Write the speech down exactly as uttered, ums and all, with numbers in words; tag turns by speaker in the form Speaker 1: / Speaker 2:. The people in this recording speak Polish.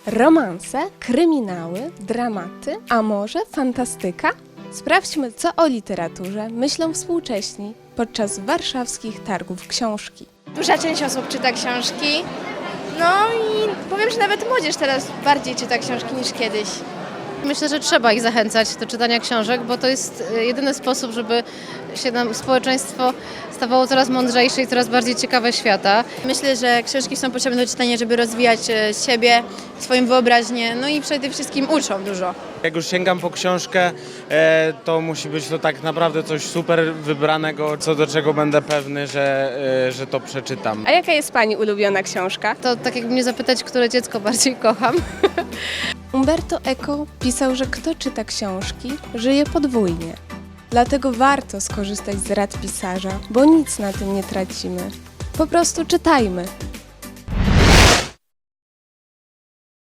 Speaker 1: Romanse, kryminały, dramaty, a może fantastyka? Sprawdźmy, co o literaturze myślą współcześni podczas warszawskich targów książki.
Speaker 2: Duża część osób czyta książki, no i powiem, że nawet młodzież teraz bardziej czyta książki niż kiedyś.
Speaker 3: Myślę, że trzeba ich zachęcać do czytania książek, bo to jest jedyny sposób, żeby się nam społeczeństwo stawało coraz mądrzejsze i coraz bardziej ciekawe świata.
Speaker 2: Myślę, że książki są potrzebne do czytania, żeby rozwijać e, siebie, swoją wyobraźnię, no i przede wszystkim uczą dużo.
Speaker 4: Jak już sięgam po książkę, e, to musi być to tak naprawdę coś super wybranego, co do czego będę pewny, że, e, że to przeczytam.
Speaker 1: A jaka jest Pani ulubiona książka?
Speaker 3: To tak jakby mnie zapytać, które dziecko bardziej kocham.
Speaker 1: Umberto Eco pisał, że kto czyta książki, żyje podwójnie. Dlatego warto skorzystać z rad pisarza, bo nic na tym nie tracimy. Po prostu czytajmy.